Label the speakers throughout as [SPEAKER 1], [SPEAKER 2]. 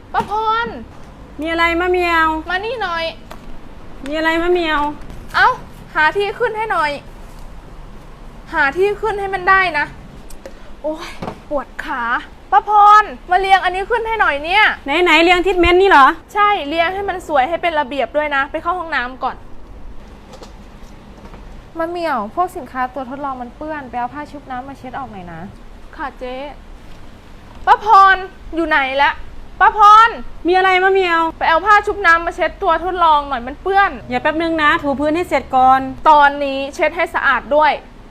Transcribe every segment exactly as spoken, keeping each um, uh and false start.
[SPEAKER 1] ป้าพร
[SPEAKER 2] มีอะไรมะเมียว
[SPEAKER 1] มานี่หน่อย
[SPEAKER 2] มีอะไรมะเมียว
[SPEAKER 1] เอ้าหาที่ขึ้นให้หน่อยหาที่ขึ้นให้มันได้นะโอ้ยปวดขาป้าพรมาเรียงอันนี้ขึ้นให้หน่อยเนี่ย
[SPEAKER 2] ไหนไหนเรียงทิศเม้นนี่เหรอ
[SPEAKER 1] ใช่เรียงให้มันสวยให้เป็นระเบียบด้วยนะไปเข้าห้องน้ำก่อนมะเมี่ยวพวกสินค้าตัวทดลองมันเปื้อนไปเอาผ้าชุบน้ำมาเช็ดออกหน่อยนะค่ะเจ๊ป้าพรอยู่ไหนละป้าพร
[SPEAKER 2] มีอะไรมะเมียว
[SPEAKER 1] ไปเอาผ้าชุบน้ำมาเช็ดตัวทดลองหน่อยมันเปื้อน
[SPEAKER 2] อย่าแป๊บนึงนะถูพื้นให้เสร็จก่อน
[SPEAKER 1] ตอนนี้เช็ดให้สะอาดด้วย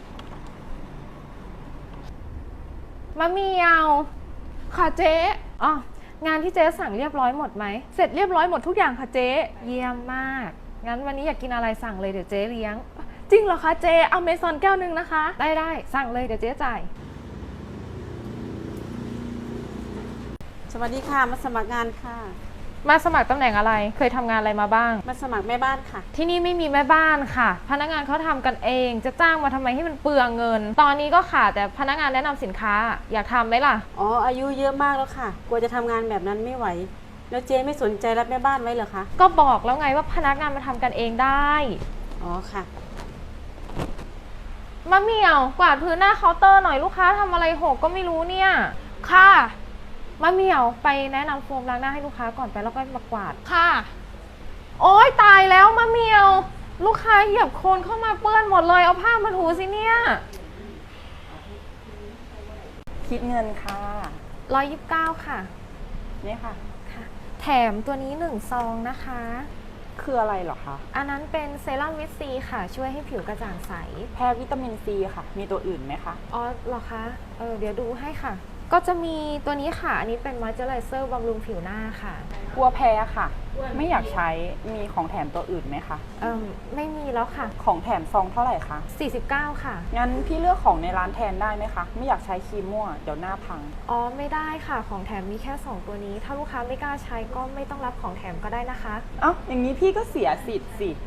[SPEAKER 1] มะเมียวค่ะเจ๊อ๋องานที่เจ๊สั่งเรียบร้อยหมดไหมเสร็จเรียบร้อยหมดทุกอย่างค่ะเจ๊เยี่ยมมากงั้นวันนี้อยากกินอะไรสั่งเลยเดี๋ยวเจ๊เลี้ยงจริงเหรอคะเจ๊เอาเมซอนแก้วนึงนะคะได้ได้สั่งเลยเดี๋ยวเจ๊จ่าย
[SPEAKER 2] สวัสดีค่ะมาสมัครงานค่ะ
[SPEAKER 1] มาสมัครตำแหน่งอะไรเคยทำงานอะไรมาบ้าง
[SPEAKER 2] มาสมัครแม่บ้านค่ะ
[SPEAKER 1] ที่นี่ไม่มีแม่บ้านค่ะพนักงานเขาทำกันเองจะจ้างมาทำไมให้มันเปลืองเงินตอนนี้ก็ขาดแต่พนักงานแนะนำสินค้าอยากทำไหมล่ะ
[SPEAKER 2] อ๋ออายุเยอะมากแล้วค่ะกลัวจะทำงานแบบนั้นไม่ไหวแล้วเจ๊ไม่สนใจรับแม่บ้านไว้เหรอคะ
[SPEAKER 1] ก็บอกแล้วไงว่าพนักงานมาทำกันเองได้
[SPEAKER 2] อ๋อค่ะ
[SPEAKER 1] มะเหมี่ยวกวาดพื้นหน้าเคาน์เตอร์หน่อยลูกค้าทำอะไรหกก็ไม่รู้เนี่ยค่ะมะเหมี่ยวไปแนะนำโฟมล้างหน้าให้ลูกค้าก่อนไปแล้วก็มากวาดค่ะโอ๊ยตายแล้วมะเหมี่ยวลูกค้าเหยียบโคลนเข้ามาเปื้อนหมดเลยเอาผ้ามาถูสิเนี่ย
[SPEAKER 3] คิดเงินค่ะ
[SPEAKER 1] ร้อยยี่สิบเก้าค่ะ
[SPEAKER 3] นี่ค่ะ
[SPEAKER 1] ค่ะแถมตัวนี้หนึ่งซองนะคะ
[SPEAKER 3] คืออะไรเหรอคะ
[SPEAKER 1] อันนั้นเป็นเซรั่มวิตซีค่ะช่วยให้ผิวกระจ่างใส
[SPEAKER 3] แพ้วิตามินซีค่ะมีตัวอื่นไหมคะ
[SPEAKER 1] อ๋อเหรอคะเออเดี๋ยวดูให้ค่ะก็จะมีตัวนี้ค่ะอันนี้เป็นมอยเจอไรเซอร์บำรุงผิวหน้าค่ะ
[SPEAKER 3] กลัวแพ้ค่ะไม่อยากใช้มีของแถมตัวอื่นไหมคะ
[SPEAKER 1] เออไม่มีแล้วค่ะ
[SPEAKER 3] ของแถมซองเท่าไหร่คะ
[SPEAKER 1] สี่สิบเก้าค่ะ
[SPEAKER 3] งั้นพี่เลือกของในร้านแทนได้ไหมคะไม่อยากใช้ครีมมั่วเดี๋ยวหน้าพัง
[SPEAKER 1] อ๋อไม่ได้ค่ะของแถมมีแค่สองตัวนี้ถ้าลูกค้าไม่กล้าใช้ก็ไม่ต้องรับของแถมก็ได้นะคะ
[SPEAKER 3] เอ้าอย่างนี้พี่ก็เสียสิทธิ์สิ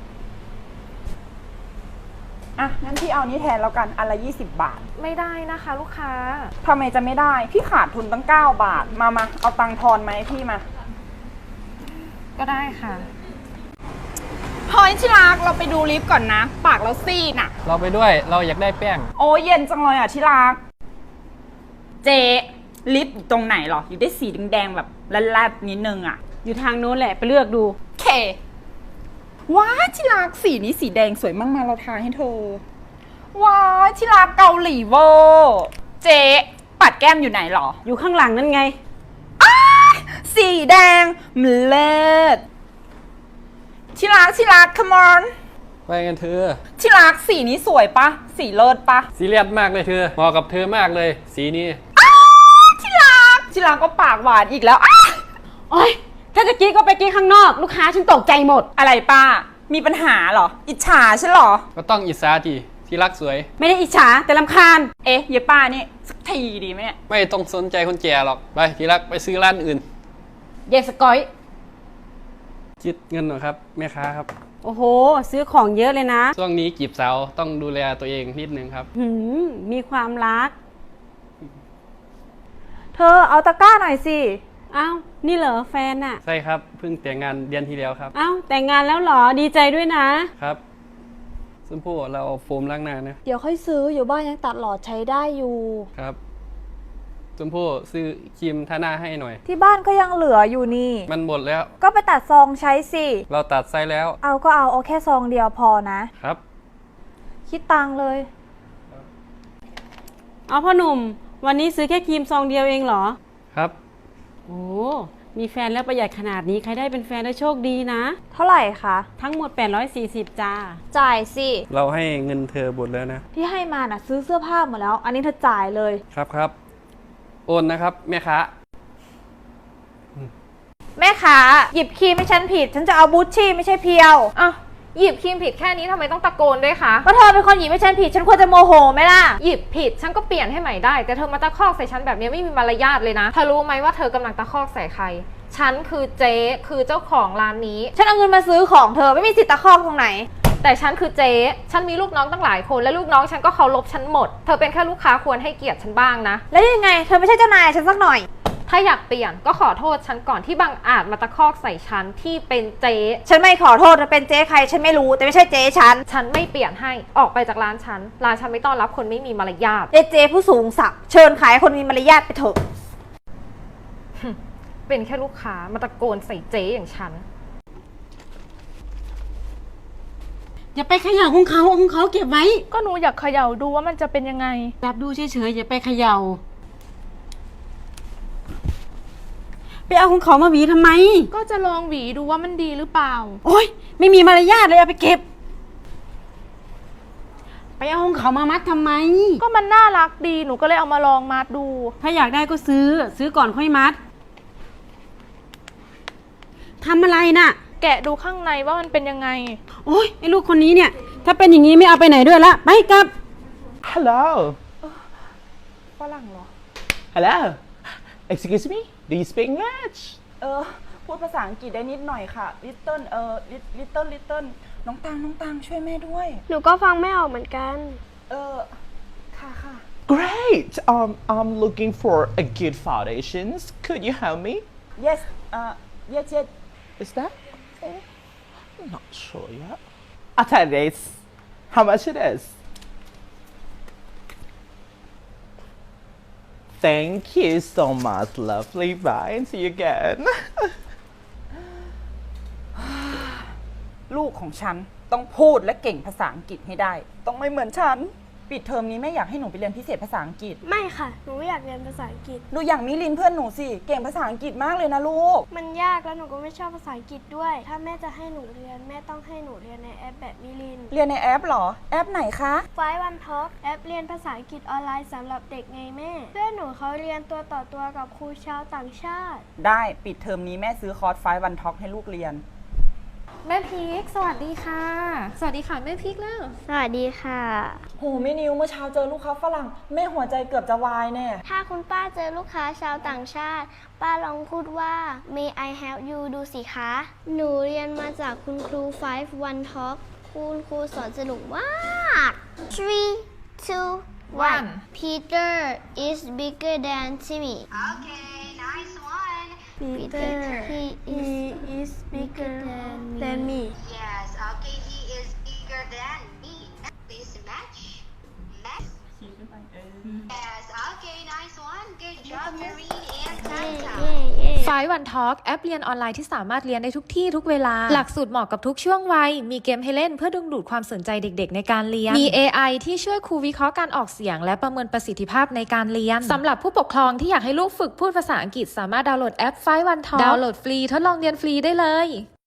[SPEAKER 3] อ่ะงั้นพี่เอานี้แทนแล้วกันอันละยี่สิบบาท
[SPEAKER 1] ไม่ได้นะคะลูกค้า
[SPEAKER 3] ทำไมจะไม่ได้พี่ขาดทุนตั้งเก้าบาทมามาเอาตังค์ทอนไหมพี่มา
[SPEAKER 1] ก็ได้ค่ะ
[SPEAKER 3] พอยชิรักเราไปดูลิฟต์ก่อนนะปากเราซีดน่ะ
[SPEAKER 4] เราไปด้วยเราอยากได้แป้ง
[SPEAKER 3] โอ้เย็นจังเลยอ่ะชิรักเจลิฟต์อยู่ตรงไหนหรออยู่ได้สีแดงๆแบบแลบๆนิดนึงอ่ะ
[SPEAKER 2] อยู่ทางโน้นแหละไปเลือกดู
[SPEAKER 3] เคว้าชิรักสีนี้สีแดงสวยมากมาเราทาให้เธอว้าชิรักเกาหลีเวอร์เจปัดแก้มอยู่ไหนหรอ
[SPEAKER 2] อยู่ข้างหลังนั่นไง
[SPEAKER 3] สีแดงมเลิศชิรักชิรัก come on
[SPEAKER 4] ไปกันเธอ
[SPEAKER 3] ชิรักสีนี้สวยปะสีเลิศปะ
[SPEAKER 4] สีเลียดมากเลยเธอเหมาะกับเธอมากเลยสีนี้
[SPEAKER 3] ชิรักชิรักก็ปากหวานอีกแล้ว
[SPEAKER 2] โอ๊ยถ้าจะกี้ก็ไปกี้ข้างนอกลูกค้าฉันตกใจหมด
[SPEAKER 3] อะไรป้ามีปัญหาเหรออิจฉาใช่หรอ
[SPEAKER 4] ก็ต้องอิจฉาทีที่รักสวย
[SPEAKER 2] ไม่ได้อิจฉาแต่รำคาญ
[SPEAKER 3] เอ๊ะเยป้านี่สักทีดีไหมเนี่ย
[SPEAKER 4] ไม่ต้องสนใจคนแก่หรอกไปที่รักไปซื้อร้านอื่น
[SPEAKER 2] เยสกอย
[SPEAKER 4] คิดเงินหน่อยครับแม่ค้าครับ
[SPEAKER 2] โอ้โหซื้อของเยอะเลยนะ
[SPEAKER 4] ช่วงนี้จีบสาวต้องดูแลตัวเองนิดนึงครับ
[SPEAKER 2] หืมมีความรัก
[SPEAKER 1] เธอเอาตะกร้าหน่อยสิ
[SPEAKER 2] อ้าวนี่เหรอแฟนอะ
[SPEAKER 4] ใช่ครับเพิ่งแต่งงานเดือนที่แล้วครับ
[SPEAKER 2] อ้าวแต่งงานแล้วเหรอดีใจด้วยนะครับ
[SPEAKER 4] ชมพู่เราเอาโฟมล้างหน้านะ
[SPEAKER 1] เดี๋ยวค่อยซื้ออยู่บ้านยังตัดหลอดใช้ได้อยู่
[SPEAKER 4] ครับชมพู่ซื้อครีมทาหน้าให้หน่อย
[SPEAKER 1] ที่บ้านก็ยังเหลืออยู่นี่
[SPEAKER 4] มันหมดแล้ว
[SPEAKER 1] ก็ไปตัดซองใช้สิ
[SPEAKER 4] เราตัดไซส์แล้ว
[SPEAKER 1] เอาก็เอาเอาแค่ซองเดียวพอนะครับคิดตังเลย
[SPEAKER 2] เอาพ่อหนุ่มวันนี้ซื้อแค่ครีมซองเดียวเองเหรอ
[SPEAKER 4] ครับ
[SPEAKER 2] โอ้มีแฟนแล้วประหยัดขนาดนี้ใครได้เป็นแฟนได้โชคดีนะ
[SPEAKER 1] เท่าไหร่คะ
[SPEAKER 2] ทั้งหมดแปดร้อยสี่สิบจ้า
[SPEAKER 1] จ่ายสิ
[SPEAKER 4] เราให้เงินเธอหมดแล้วนะ
[SPEAKER 1] ที่ให้มาน่ะซื้อเสื้อผ้าหมดแล้วอันนี้เธอจ่ายเลย
[SPEAKER 4] ครับครับโอนนะครับแม่ค้า
[SPEAKER 1] แม่ค้าหยิบครีมให้ฉันผิดฉันจะเอาบูชชี่ไม่ใช่เพียวอ้าวหยิบครีมผิดแค่นี้ทำไมต้องตะโกนด้วยคะก็เธอเป็นคนหยิบให้ฉันผิดฉันควรจะโมโหไหมล่ะหยิบผิดฉันก็เปลี่ยนให้ใหม่ได้แต่เธอมาตะคอกใส่ฉันแบบนี้ไม่มีมารยาทเลยนะเธอรู้ไหมว่าเธอกำลังตะคอกใส่ใครฉันคือเจ๊คือเจ้าของร้านนี้ฉันเอาเงินมาซื้อของเธอไม่มีสิทธิ์ตะคอกตรงไหนแต่ฉันคือเจ๊ฉันมีลูกน้องตั้งหลายคนและลูกน้องฉันก็เคารพฉันหมดเธอเป็นแค่ลูกค้าควรให้เกียรติฉันบ้างนะแล้วยังไงเธอไม่ใช่เจ้านายฉันสักหน่อยถ้าอยากเปลี่ยนก็ขอโทษฉันก่อนที่บังอาจมาตะคอกใส่ฉันที่เป็นเจ๊
[SPEAKER 2] ฉันไม่ขอโทษนะเป็นเจ๊ใครฉันไม่รู้แต่ไม่ใช่เจ๊ฉัน
[SPEAKER 1] ฉันไม่เปลี่ยนให้ออกไปจากร้านฉันร้านฉันไม่ต้อนรับคนไม่มีมารยาท
[SPEAKER 2] เจ๊เจ๊ผู้สูงศักดิ์เชิญขายคนมีมารยาทไปเถอะ
[SPEAKER 1] เป็นแค่ลูกค้ามาตะโกนใส่เจ๊อย่างฉัน
[SPEAKER 2] อย่าไปเขย่าของเขาของเขาเก็บไว้
[SPEAKER 5] ก็หนูอยากเขย่าดูว่ามันจะเป็นยังไง
[SPEAKER 2] รับดูเฉยๆอย่าไปเขย่าไปเอาของเขามาหวีทำไม
[SPEAKER 5] ก็จะลองหวีดูว่ามันดีหรือเปล่า
[SPEAKER 2] โอ๊ยไม่มีมารยาทเลยเอาไปเก็บ ไปเอาของเขามามัดทำไม
[SPEAKER 5] ก็มันน่ารักดีหนูก็เลยเอามาลองมัดดู
[SPEAKER 2] ถ้าอยากได้ก็ซื้อ ซื้อก่อนค่อยมัดทำอะไรน่ะ
[SPEAKER 5] แกะดูข้างในว่ามันเป็นยังไง
[SPEAKER 2] โอ๊ยไอ้ลูกคนนี้เนี่ย ถ้าเป็นอย่างนี้ไม่เอาไปไหนด้วยละไปกลับ
[SPEAKER 6] Hello.
[SPEAKER 3] ฝรั่งเหรอ
[SPEAKER 6] Hello. Excuse me. Do you speak English?
[SPEAKER 3] เออ พูดภาษาอังกฤษได้นิดหน่อยค่ะ little เออ little little น้องตังน้องตังช่วยแม่ด้วย
[SPEAKER 7] หนูก็ฟังไม่ออกเหมือนกัน
[SPEAKER 3] เออ ค่ะค่ะ
[SPEAKER 6] Great. Um, I'm looking for a good foundations. Could you help me?
[SPEAKER 3] yes เอ่อ yes yes
[SPEAKER 6] Is that? Oh, I'm not sure yet. I'll tell you this. How much it is? Thank you so much, lovely. Bye. And see you again.
[SPEAKER 3] ลูกของฉันต้องพูดและเก่งภาษาอังกฤษให้ได้ ต้องไม่เหมือนฉัน ปิดเทอมนี้แม่อยากให้หนูไปเรียนพิเศษภาษาอังกฤษ
[SPEAKER 7] ไม่ค่ะ หนูไม่อยากเรียนภาษาอังกฤษ
[SPEAKER 3] หนูอย่างมิลินเพื่อนหนูสิ เก่งภาษาอังกฤษมากเลยนะลูก
[SPEAKER 7] มันยากแล้วหนูก็ไม่ชอบภาษาอังกฤษด้วย ถ้าแม่จะให้หนูเรียนแม่ต้องให้หนูเรียนในแอปแบบมิลิน
[SPEAKER 3] เรียนในแอปเหรอ แอปไหนคะ
[SPEAKER 7] ไฟวันท็อกแอปเรียนภาษาอังกฤษออนไลน์สำหรับเด็กไงแม่ เพื่อนหนูเขาเรียนตัวต่อตัวกับครูชาวต่างชาติ
[SPEAKER 3] ได้ปิดเทอมนี้แม่ซื้อคอร์สไฟวันท็อกให้ลูกเรียน
[SPEAKER 1] แม่พีกสวัสดีค่ะ สวัสดีค่ะแม่พีกแล้ว
[SPEAKER 7] สวัสดีค่ะ
[SPEAKER 3] โหแม่นิวเมื่อเช้าเจอลูกค้าฝรั่งแม่หัวใจเกือบจะวายแน่
[SPEAKER 7] ถ้าคุณป้าเจอลูกค้าชาวต่างชาติ ป้าลองพูดว่า May I help you ดูสิคะ หนูเรียนมาจากคุณครู Five One Talk คุณครูสอนสนุกมาก three two one Peter is bigger than Timmy
[SPEAKER 8] Okay, nice one.
[SPEAKER 7] Peter he is bigger than me
[SPEAKER 8] Yes, okay, he is bigger than me. Please match. Match. Yes, okay, nice one. Good job, Marine and Tanta.
[SPEAKER 1] ไฟวันทอล์กแอปเรียนออนไลน์ที่สามารถเรียนได้ทุกที่ทุกเวลา หลักสูตรเหมาะกับทุกช่วงวัย มีเกมให้เล่นเพื่อดึงดูดความสนใจเด็กๆในการเรียน มี เอ ไอ ที่ช่วยครูวิเคราะห์การออกเสียงและประเมินประสิทธิภาพในการเรียน สำหรับผู้ปกครองที่อยากให้ลูกฝึกพูดภาษาอังกฤษสามารถดาวน์โหลดแอปไฟวันทอล์กดาวน์โหลดฟรีทดลองเรียนฟรีได้เลย